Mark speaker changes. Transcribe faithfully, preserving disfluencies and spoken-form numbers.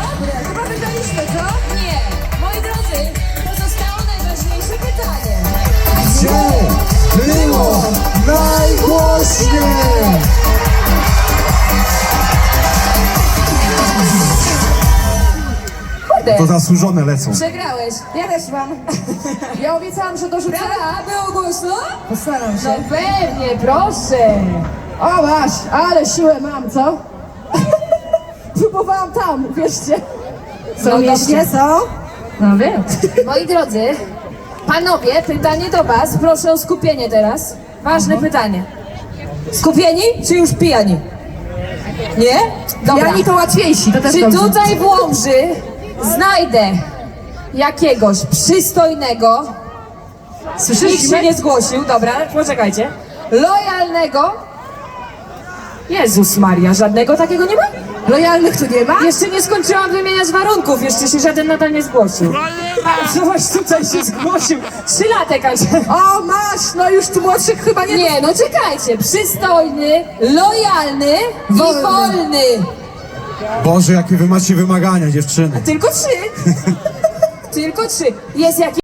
Speaker 1: Dobre, chyba wygraliśmy, co?
Speaker 2: Nie. Moi drodzy, pozostało najważniejsze pytanie.
Speaker 3: Gdzie było najgłośniej?
Speaker 1: Kurde,
Speaker 3: To zasłużone lecą.
Speaker 2: Przegrałeś.
Speaker 1: ja też mam. Ja obiecałam, że dorzucę.
Speaker 2: Prawda? Było głośno?
Speaker 1: Postaram się.
Speaker 2: No pewnie, proszę.
Speaker 1: O masz, ale siłę mam, co? Próbowałam tam, wierzcie.
Speaker 2: No
Speaker 1: Są mieście,
Speaker 2: dobrze.
Speaker 1: są?
Speaker 2: No wiem. Moi drodzy, panowie, pytanie do was. Proszę o skupienie teraz. Ważne pytanie. Skupieni czy już pijani? Nie? Dobra.
Speaker 1: Pijani to łatwiejsi, to też
Speaker 2: Czy
Speaker 1: dobrze.
Speaker 2: tutaj w Łomży znajdę jakiegoś przystojnego,
Speaker 1: Słyszysz?
Speaker 2: nikt się nie zgłosił, dobra, poczekajcie, lojalnego, Jezus Maria, żadnego takiego nie ma?
Speaker 1: Lojalnych tu nie ma?
Speaker 2: Jeszcze nie skończyłam wymieniać warunków, jeszcze się żaden nadal nie zgłosił. A coś tutaj się zgłosił, trzylatek, a
Speaker 1: O masz, no już tu młodszych chyba nie...
Speaker 2: nie, no czekajcie, przystojny, lojalny
Speaker 1: Wolny.
Speaker 2: i wolny.
Speaker 3: Boże, jakie wy macie wymagania, dziewczyny.
Speaker 2: Tylko trzy. Tylko trzy. Jest jakiś